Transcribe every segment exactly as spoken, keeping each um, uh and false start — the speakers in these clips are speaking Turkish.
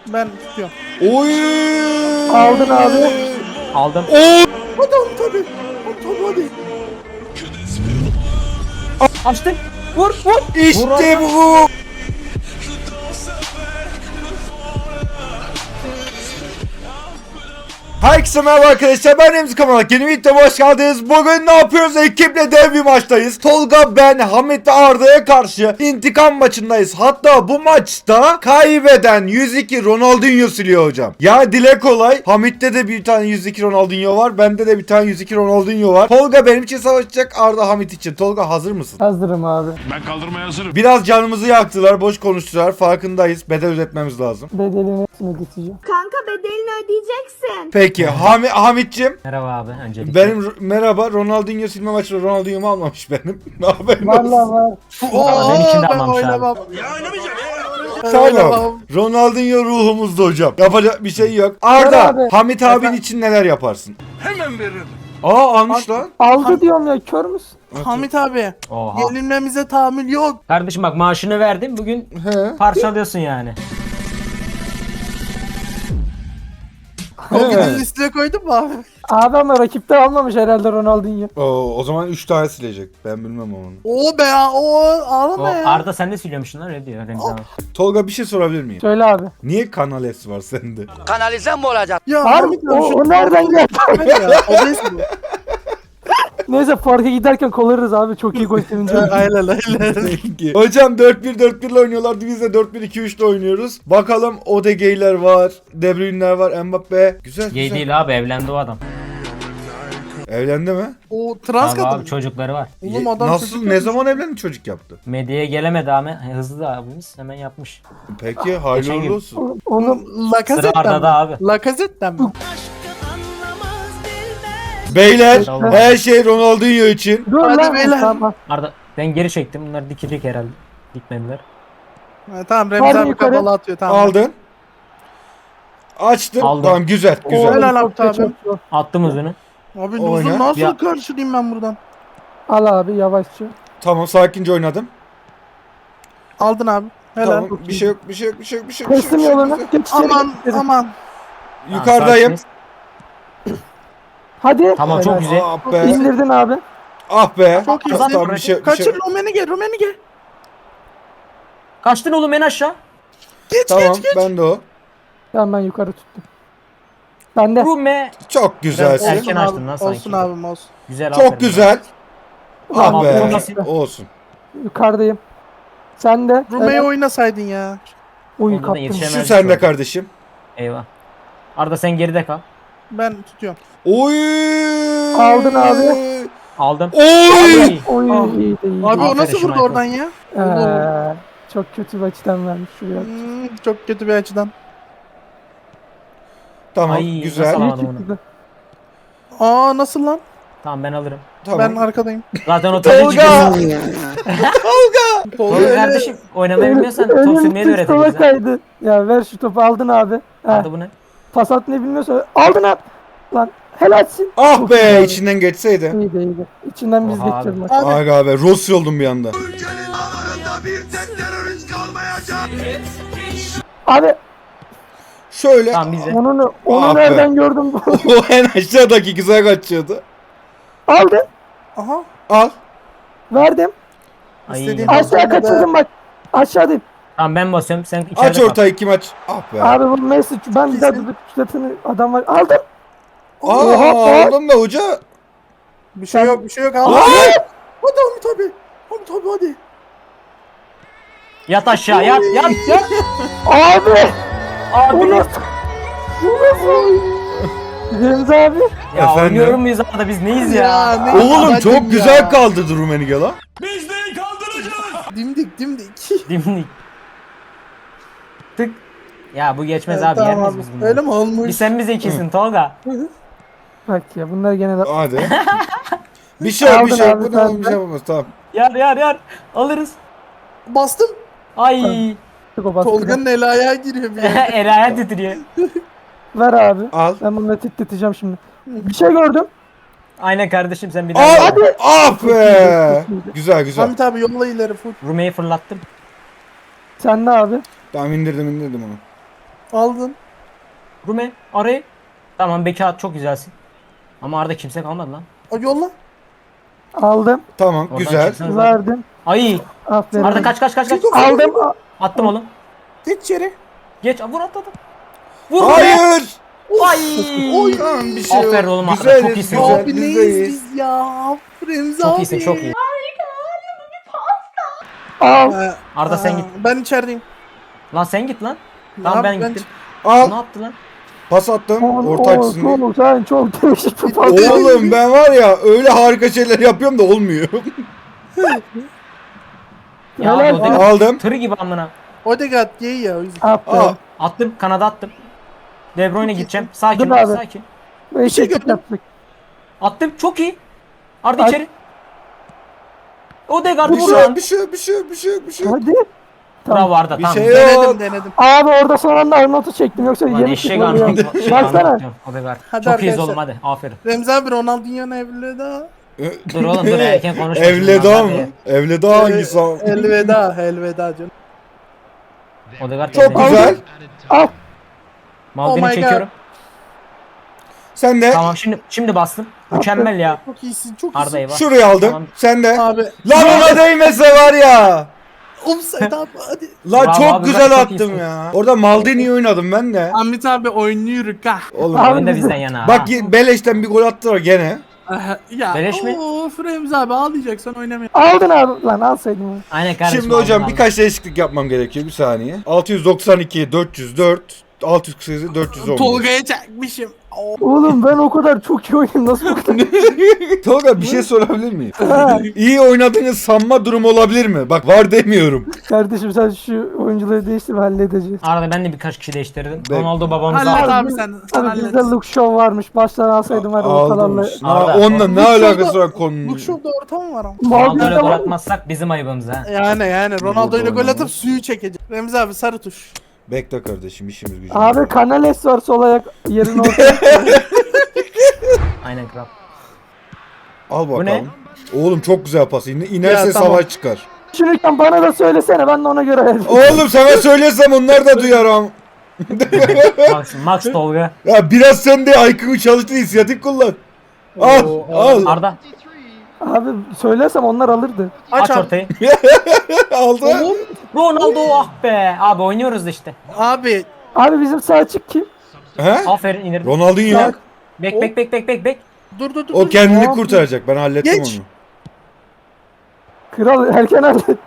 Ben tutuyorum. Oy! Aldın abi. Aldım. Oo! Hadi oğlum tabii. Hadi hadi. Açtık. Vur vur. İşte bu. Herkese merhaba arkadaşlar, ben Remzi Kamalak. Yeni videoma hoş geldiniz. Bugün ne yapıyoruz? Ekiple dev bir maçtayız. Tolga, ben, Hamit ve Arda'ya karşı intikam maçındayız. Hatta bu maçta kaybeden yüz iki Ronaldinho siliyor hocam. Ya dile kolay. Hamit'te de bir tane yüz iki Ronaldinho var. Bende de bir tane yüz iki Ronaldinho var. Tolga benim için savaşacak, Arda Hamit için. Tolga hazır mısın? Hazırım abi. Ben kaldırmaya hazırım. Biraz canımızı yaktılar, boş konuştular. Farkındayız. Bedel ödetmemiz lazım. Bedelini hepsini geçeceğim. Kanka bedelini ödeyeceksin. Peki Hami, Hamit'cim. Merhaba abi öncelikle. Benim merhaba, Ronaldinho silme maçında Ronaldinho'mu almamış benim. Ne haberin olsun. Valla var. Oo, ben içinde ben almamış abi. oynamam. Ben Tamam. oynamam. Ronaldinho ruhumuzda hocam. Yapacak bir şey yok. Ver Arda, abi. Hamit abin için neler yaparsın? Hemen veririm. Aa almış lan. Aldı diyorum ya, kör müsün? Hamit abi. Oha. Yenilmemize tahammül yok. Kardeşim bak maaşını verdim bugün He. parçalıyorsun yani. O gün listeye koydun mu abi? Abi ama rakipte almamış herhalde Ronaldinho. Oo, o zaman üç tane silecek. Ben bilmem onu. Oo be ya. Oo O ağlama ya. Arda sen de söylüyormuşsun lan öyle diyor Remzi abi. Tolga bir şey sorabilir miyim? Söyle abi. Niye Kanal S var sende? Kanalize mi olacak? Ya Abi Hamit o, abi şu o nereden geldi? ya. O değil mi? Neyse parka giderken kolarız abi, çok iyi gol sevinci. Aynen aynen. Peki. Hocam dört bir dört bir ile oynuyorlardı. Biz de dört bir iki üç ile oynuyoruz. Bakalım Odegaard'ler var. De Bruyne'ler var. Mbappe. Güzel Gay güzel. değil abi, evlendi o adam. Evlendi mi? O trans Abi, kadın. abi çocukları var. Oğlum adam Nasıl? çocuk Ne yapmış. zaman evlendi, çocuk yaptı? Medyaya gelemedi ama hızlı da abimiz hemen yapmış. Peki hayırlı Geçen gün- uğurlu olsun. Onu Sıra Lakazet'ten Arda'da mi? abi. Lakazet'ten mi? Beyler Tamam. her şey Ronaldinho için. dur Hadi lan. beyler. Tamam. Arda ben geri çektim, bunlar dikecek herhalde. Dikmediler. Ha, tamam Remzi Hadi abi yukarı. kapalı atıyor tamam. Aldın. Açtın. Aldım. Tamam güzel Oo, güzel. Helal çok abi. geçmiş o. Attım uzunu. Abi Oyna. uzun nasıl Ya. karşılayayım ben buradan? Al abi yavaşça. Tamam sakince oynadım. Aldın abi. Helal. Tamam bir şey yok bir şey yok bir şey yok bir şey yok. bir şey Teslim yok, bir şey yoluna. yok. Geç içeri, Aman geç içeri. aman. Yukarıdayım. Tamam, Hadi. Tamam, çok Helal. güzel. Ah be. İndirdin abi. Ah be. Çok iyi. Tamam, tamam, bir şey, bir şey. Kaçır Romenige Romenige. Kaçtın oğlum en aşağı. Geç Tamam geç geç. ben de o. Tamam ben yukarı tuttum. Ben de. Bu me. Çok güzelsin. Erken Olsun açtın lan abi, sanki. Olsun abim olsun. Güzel, aferin. Çok güzel. Ah Tamam, be. olmasın. Olsun. Yukarıdayım. Sen de. Rume'yi Evet. oynasaydın ya. Uy Onda da kaptım. yetişemez. Şu sende kardeşim. Eyvah. Arda sen geride kal. Ben tutuyorum. Oy. Aldın abi. Aldım. Oy. Ay. Oy Ah. iyi de iyi. Abi o Aferin nasıl vurdu Schmeichel. oradan ya? Ee, çok kötü bir açıdan vermiş şuraya. Hmm, çok kötü bir açıdan. Tamam Ay, güzel. nasıl İyi alamadım onu. çıktı. Aa nasıl lan? Tamam ben alırım. Tamam. Ben arkadayım. Zaten o Tolga. tabii Tolga Oğlum kardeşim oynamayı bilmiyorsan top Önüm sürmeyi de pis sola öğretebiliriz. ha. kaydı. Ya ver şu topu, aldın abi. Heh, Arda bu ne? pas atmayı bilmiyorsan aldın abi. Lan helalsin. Ah Çok be güzel. içinden geçseydi. İyiydi iyiydi. İçinden biz Oha geçeceğiz abi. maç. Abi. Aga be Rossi oldum bir anda. Abi Şöyle. Tamam bize. onu onu Ah be. nereden gördüm? O en aşağıdaki güzel kaçıyordu. Aldın. Aha. Al. Verdim. Ay. İstediğin- Aşağı Sonra da- kaçırdım bak. Aşağıdayım. Tamam ben basıyorum, sen içeride Aç kal. ortayı kim aç? Ah be. Abi bu Messi ben bir daha Kesin. tutup şutatını adam var. Aldım. Aa, Oha, aldım da hoca. Bir şey yok bir şey yok. Al. Lan! Hadi Hamit abi. Hamit abi hadi. Yat aşağı, yat yat yat. Abi. Abi. Bu nasıl? Bu nasıl? Remzi abi. Ya Efendim? oynuyorum muyuz Arda, biz neyiz ya? ne Oğlum yapacağım çok ya? güzel kaldırdı Rumenige lan. Bizden kaldıracağız. Dimdik dimdik. Dimdik. Tık. Ya bu geçmez Evet, abi, yer tamam miyiz abi. biz bunları? Öyle mi olmuş? Bir sen bize ikisin Tolga. Bak ya bunlar gene de Hadi. Bir şey yok bir Aldın şey yok. abi, Bu sen da bir de. şey yapamaz tamam. Yar yar yar. Alırız. Bastım. Ay. o baskı. Tolga'nın el ayağı giriyor bir yere. El ayağı titriyor. Ver abi. Al. Ben bunları titreteceğim şimdi. Bir şey gördüm. Aynen kardeşim, sen bir daha. Al. Hadi. Ah be. Güzel güzel. Hamit abi yolla ileri full. Rume'yi fırlattım. Sen de abi. Tamam indirdim indirdim onu. Aldın. Rume arayı. Tamam Beki at, çok güzelsin. Ama Arda kimse kalmadı lan. O yolla. Aldım. Tamam Oradan güzel. çıksana zaten. Verdim. Ay. Aferin. Arda kaç kaç kaç kaç. Aldım. Attım oğlum. Geç içeri. Geç vur atladım. Vur. Rume. Hayır. Ay. Oy. Tamam bir şey yok. Aferin oğlum Arda, Güzeliz, çok iyisin. güzel, Abi biz neyiz deyiz. biz ya? Remzi Çok abi. iyisin, çok iyi. Al. Ee, Arda sen aa, git. Ben içerideyim. Lan sen git lan. Ne Tamam ben yap- gittim. Ne Al. yaptı lan? Pas attım. Orta açısında. Oğlum sen çok değişik bir pas. Oğlum ben var ya öyle harika şeyler yapıyorum da olmuyor. Ya Helal abi, o da- Aldım. Tırı gibi amına. Odegaard gay ya o yüzden. Aa, Aferin. Attım, kanada attım. De Bruyne gideceğim. Sakin Dur ol, abi. sakin. Beş şey ekip gördüm. yaptık. Attım, çok iyi. Arda Ay. içeri. Odegaard bir şey vur yok, lan. bir şey yok, bir şey yok, bir şey yok, bir şey yok. Hadi. Bravo Arda, Bir tamam. şey güzel. yok. Denedim denedim. Abi orada son anda Arnold'u çektim yoksa Lan yeni eşek çıkmadı ya. Arnold. Şey Baksana. Arnold diyorum, Odegaard. Hadi Çok iyiyiz arkadaşlar. oğlum, hadi. Aferin. Remzi abi Ronaldinho'nun evlida. Dur oğlum, dur erken konuşma. Evleda Hadi. mı? Evleda hangisi? abi? Elveda, elveda canım. Odegaard Çok evde. güzel. Al. Maldini Oh my çekiyorum. Sen de Tamam, şimdi şimdi bastım. Mükemmel ya. Çok iyisin, çok Arda iyisin. eyvah. şurayı aldım. Tamam. Sen de. Abi, Lan ona değmese var ya. offside abi hadi. Lan Bravo çok abi, güzel çok attım iyisin. ya. Orada Maldini'yi oynadım ben de. Ahmet abi oynuyor ha. Oğlum. Abi Oyun da bizi- bizden yana. Bak ha. y- beleşten bir gol attılar gene. Aha, ya Beleş mi? of Remzi abi ağlayacaksan oynamayın. Aldın abi. Lan alsaydın. Aynen kardeşim. Şimdi hocam aldım, birkaç değişiklik yapmam gerekiyor bir saniye. altı yüz doksan iki, dört yüz dört, altı yüz kırk sekiz, dört yüz on. Tolga'ya çekmişim. Oh. Oğlum ben o kadar çok iyi oynadım. Nasıl bu kadar? Tolga bir şey sorabilir miyim? İyi oynadığınız sanma durumu olabilir mi? Bak var demiyorum. Kardeşim sen şu oyuncuları değiştir ve halledeceğiz. Arada ben de birkaç kişi değiştirdim. Bek- Ronaldo babamızı Hallet aldı. abi sen. sen Abi hallet. bizde look show varmış. Baştan alsaydım var ya Aldım. ortalarla. Ha, Arda. onunla ne Bu şurada- alakası var konunun? Bu şurada ortam var ama. Ronaldo'yla Maldini gol var. atmazsak bizim ayıbımız ha. Yani yani Ronaldo ile gol oynama. atıp suyu çekecek. Remzi abi sarı tuş. Bekle kardeşim işimiz gücümüz Abi var. Canales var sol ayak yerin ortaya. Aynen kral. Al Bu ne? bakalım. Oğlum çok güzel pas. İne- İnerse Ya, tamam. savaş çıkar. Düşünürken bana da söylesene ben de ona göre ayarlayayım. Oğlum sana söylesem onlar da duyar ama. Max, Max Tolga. Ya biraz sen de I Q'yu çalıştı inisiyatif kullan. Al Oo, al. Arda Abi söylersem onlar alırdı. aç, Aç abi. ortayı. Aldı. Oğlum, Ronaldo ah be. Abi oynuyoruz da işte. abi Abi bizim sağ açık kim? He? Aferin indirdim. Ronaldinho. Bak. Bek bek bek bek bek bek. dur dur dur. O dur. kendini Aa, kurtaracak. Ben hallettim Geç. onu. Kral erken hallet.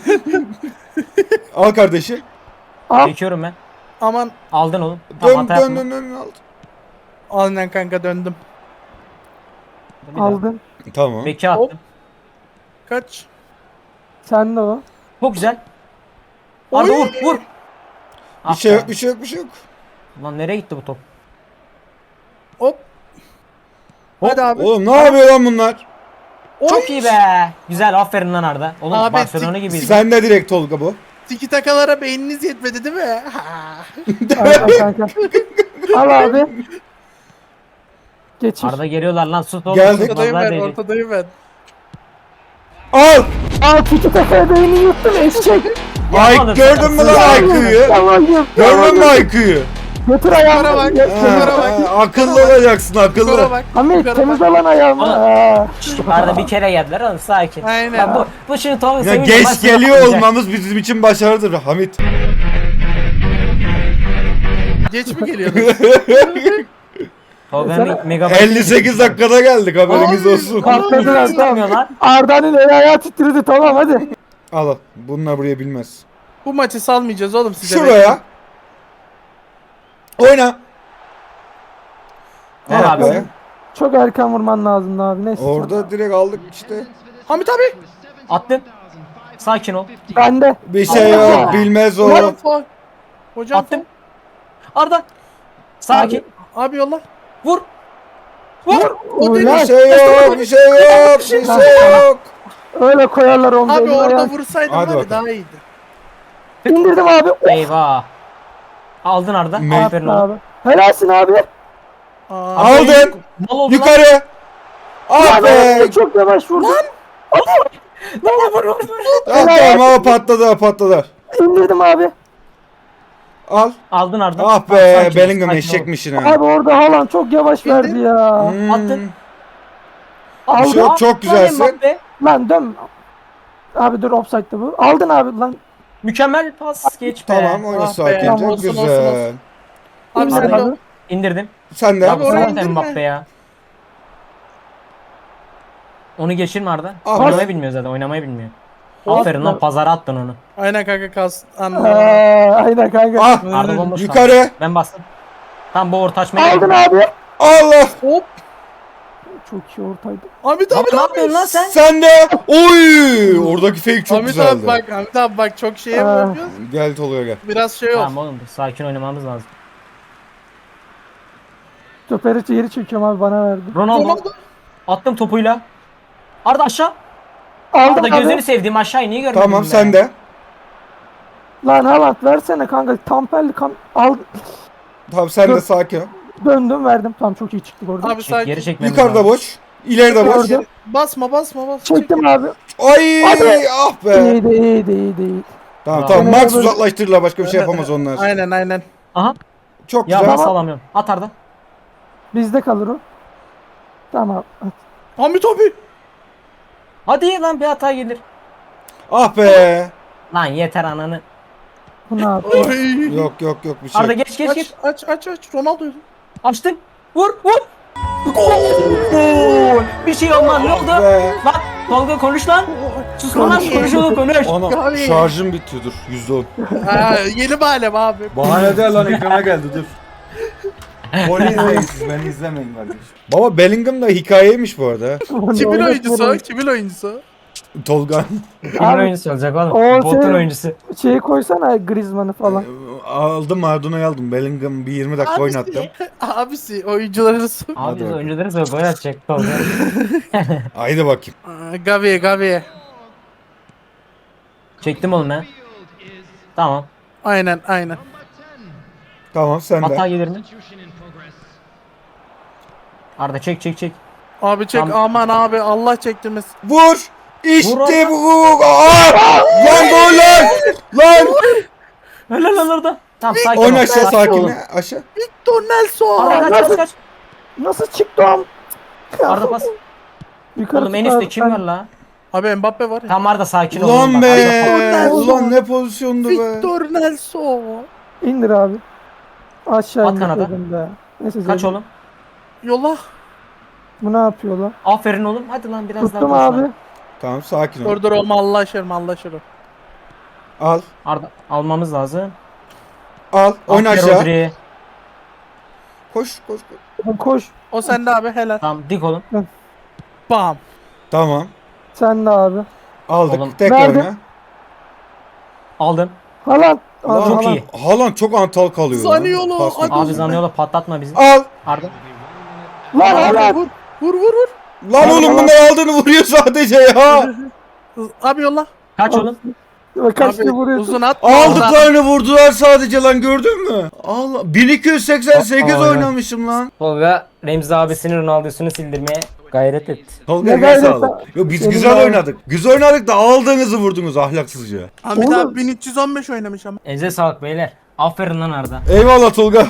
Al kardeşim. Al. Çekiyorum ben. Aman Aldın oğlum. Tamam Dön hata dön yapma. dön dön. al. aynen kanka döndüm. Bir daha. Aldın. Tamam. Beki attım. Kaç? Sen de o. Çok güzel. Arda Oy. vur vur. Bir Ah şey be. yok bir şey yok bir şey yok. Lan nereye gitti bu top? Hop. Hop. Hadi abi. Oğlum ne yapıyor lan bunlar? Çok iyi be. Güzel aferin lan Arda. Oğlum Abi, Barcelona tik- gibiydi. Sen de direkt Tolga bu. Tiki takalara beyniniz yetmedi değil mi? Aynen kanka. Al abi. Geçir. Arda geliyorlar lan sus oğlum. Geldik. Ortadayım Tutmazlar ben, değdik. ortadayım ben. Al. Aa tiki takaya beyni yuttun eşek. Ay Yapmadım. gördün mü lan I Q'yu? Tamam yap. Gördün mü I Q'yu? Götür ayağımı. Yukarı bak. Ya- Yukarı bak. Akıllı olacaksın Yukarı akıllı. bak. Hamit yukarı temiz bak. alan ayağımı. Aa. Aa. Arda bir kere geldiler oğlum sakin. Aynen. Ya bu, bu şimdi Tolga Ya sevince geç maç geliyor yapmayacak. olmamız bizim için başarıdır Hamit. Geç mi geliyorsunuz? Tolga'nın Sana- mega elli sekiz dakikada geldik haberiniz Abi. olsun. Patladılar Çıkamıyor tamam. lan. Arda'nın el ayağı titredi tamam hadi. Al al. Bunlar buraya bilmez. Bu maçı salmayacağız oğlum size. Şuraya. Oyna. Ver Ah abi. be. Çok erken vurman lazımdı abi neyse. Orada direkt aldık işte. Hamit abi. Attım. Sakin ol. Bende. Bir şey yok bilmez o. Hocam faul. Hocam Attım. Arda. Sakin. faul. Abi yolla. Vur. Vur. Bir Ulan, şey yok bir şey yok bir şey yok. öyle koyarlar onu. Abi elini orada ayağı. vursaydın Hadi var ya bakalım. daha iyiydi. İndirdim abi. Eyvah. Aldın Arda. Me- Aferin Abi. oğlum. Helalsin abi. Aa, Aldın. Mal oldu lan. Yukarı. Ah be. Abi çok yavaş vurdun. Vur vur vur. Ah tamam o patladı o patladı. İndirdim abi. Al. Aldın Arda. Ah Tamam, be sakin ol, Bellingham sakin ol. eşekmişsin ha. Abi orada Haaland çok yavaş verdi ya. Hmm. Attın. Aldın. Çok, çok güzelsin. Mbappe. Lan dön. Abi dur offside'da bu. Aldın abi lan. Mükemmel pas geç be. Tamam oyna Ah be, sakince. tamam, olsun, Güzel. olsun, olsun. Abi sen İndir de abi. İndirdim. Sen de. Ya Abi bu oraya zaten indirme. Mbappe ya. Onu geçirme Arda. Ah, Oynamayı bas. bilmiyor zaten. Oynamayı bilmiyor. Bas Aferin lan lan. pazara attın onu. Aynen kanka kas. Ee, Anladım. aynen kanka. Ah. Arda bomboş kaldı. Yukarı. Ben bastım. Tam bu orta açmaya Aldın geldim. abi. Allah. Hop. Çok iyi ortaydı. Ahmet Lan abi ne yapıyorsun lan sen? Sen de. Oy. Oradaki fake çok Ahmet güzeldi. abi bak Ahmet abi bak çok şeye Aa. bırakıyoruz. Gel Tolga gel. Biraz şey ol. Tamam oğlum sakin oynamamız lazım. Stoperi geri çekiyorum abi bana verdi. Ronaldo. Ronaldo. Attım topuyla. Arda aşağı. Aldım Arda abi. gözünü sevdiğim aşağıyı niye görmedin Tamam be? sen de. Lan Haaland versene kanka. Tamperli kan. Al. Tamam sen de Dur. sakin ol. Döndüm verdim. Tamam çok iyi çıktık orada. Abi Çek, sakin. geri çekmemiz Yukarıda lazım. boş. İleride boş. Gördüm. Basma basma basma. Çektim abi. Ay Hadi. ah be. İyiydi iyiydi iyiydi iyiydi. Tamam Bravo. tamam Max Böyle- uzaklaştırırlar başka bir şey yapamaz onlar. Aynen aynen. Aha. Çok Ya güzel. nasıl alamıyorum? At Arda. Bizde kalır o. Tamam. Ahmet abi. Hadi lan bir hata gelir. Ah be. Lan yeter ananı. Bu ne yapıyor? Oy. Yok yok yok bir şey. Arda geç geç geç. Aç aç aç aç. Ronaldo'ydu. Açtım. Vur vur. Gol. Bir şey olmaz ne oldu? Be. Lan Tolga konuş lan. Susma lan konuş oğlum konuş. Ana Abi. şarjım bitiyor dur yüzde on. Ha, yeni alem abi. Bahane değil lan ekrana geldi dur. Golü izleyin siz beni izlemeyin kardeşim. Baba Bellingham da hikayeymiş bu arada. Kimin oyuncusu? Kimin oyuncusu? Tolga. Kimin oyuncusu olacak oğlum? O Botun şey- oyuncusu. Şeyi koysana Griezmann'ı falan. aldım Maradona'yı aldım. Bellingham bir yirmi dakika oynattım. Abisi oyuncuları su. Abi Hadi biz bakalım. oyuncuları sonra gol atacak Tolga. Haydi bakayım. Aa, Gavi Gavi. Çektim oğlum ben. Tamam. Aynen aynen. Tamam sen Hata de. gelir mi? Arda çek çek çek. Abi çek Tamam. aman abi Allah çektirmesin. Vur. İşte Vur bu. Aa! Lan gol lan. Lan. Helal lan Arda. Tamam sakin ol. Oyna aşağı sakin sakin. ol. Aşağı. Victor Nelson. Arda kaç kaç kaç. Nasıl çıktı o? Arda pas. Yukarı Oğlum en tutar, üstte kim ben- var la? Abi Mbappe var ya. Tamam Arda sakin ol. Ulan Bak, be. Arda- Ulan ne pozisyondu be. Victor Nelson. İndir abi. Aşağı At indir kanada. dedim de. Neyse Kaç Zeynep. oğlum? Yolla. Bu ne yapıyor lan? Aferin oğlum. Hadi lan biraz Tuttum daha. koş abi. lan. Tamam sakin ol. Dur dur olma Allah aşkına Allah aşkına. Al. Arda almamız lazım. Al. Oyna Aferin aşağı. Rodri. Koş koş koş. Oğlum koş. O sende abi helal. Tamam dik oğlum. Bam. Tamam. Sen de abi. Aldık. Oğlum, Tekrar nerede? oyna. Aldım. Haaland. Lan, Abi, Çok Haaland. iyi. Haaland çok antal kalıyor. lan. Zaniolo, Pas hadi. yok. Abi Zaniolo patlatma bizi. Al. Arda. Lan Haaland. Vur vur vur vur. Lan Al, oğlum al. bunlar aldığını vuruyor sadece ya. Abi yolla. Kaç oğlum? Bak kaç Abi kere vuruyorsun. uzun at. Aldıklarını vurdular sadece lan gördün mü? Allah bin iki yüz seksen sekiz Aa, oynamışım lan. Tolga Remzi abisinin Ronaldo'sunu sildirmeye gayret etti. Tolga Ne eline gayret sağlık. lan? Yo biz Senin güzel abi. oynadık. Güzel oynadık da aldığınızı vurdunuz ahlaksızca. Ahmet Oğlum. abi bin üç yüz on beş oynamış ama. Elinize sağlık beyler. Aferin lan Arda. Eyvallah Tolga.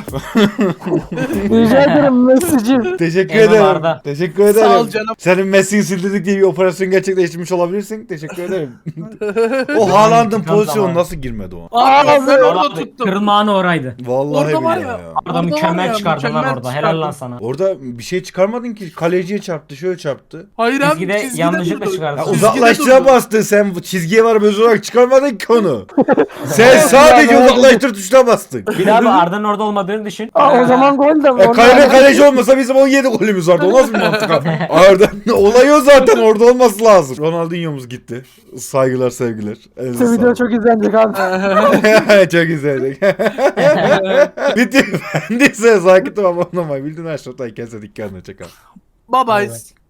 Rica ederim Messi'cim. Teşekkür Eyvallah ederim. Arda. Teşekkür ederim. Sağ ol canım. Senin Messi'yi sildirdik diye bir operasyon gerçekleştirmiş olabilirsin. Teşekkür ederim. o Haaland'ın İntikam pozisyonu zamanı. nasıl girmedi o? Abi ben orada Vallahi tuttum. Kırılma anı oraydı. Vallahi Orada var billahi ya. ya. Arda Orada var mükemmel ya, çıkardın lan mükemmel orada. Helal lan çıkardın. sana. Orada bir şey çıkarmadın ki. Kaleciye çarptı, şöyle çarptı. Hayır abi Çizgide çizgide yanlışlıkla durdu. çıkardın. Ya Çizgide uzaklaştıra durdu. bastın sen bu çizgiye var öz olarak çıkarmadın ki onu. Sen sadece Ya, uzaklaştır tuşuna bastın. Bir daha abi Arda'nın orada olmadığını düşün. Aa, o zaman gol de E, kalede kaleci olmasa bizim on yedi golümüz vardı. O nasıl bir mantık abi? Arda olay o zaten orada olması lazım. Ronaldinho'muz gitti. Saygılar sevgiler. Elinize Bu video sağlık. çok izlenecek abi. Çok izledik. Bitti. Bendiyse sakin ol abone olmayı. Bildiğin aşağıdan kendinize dikkat edin. Çakal. Bye bye.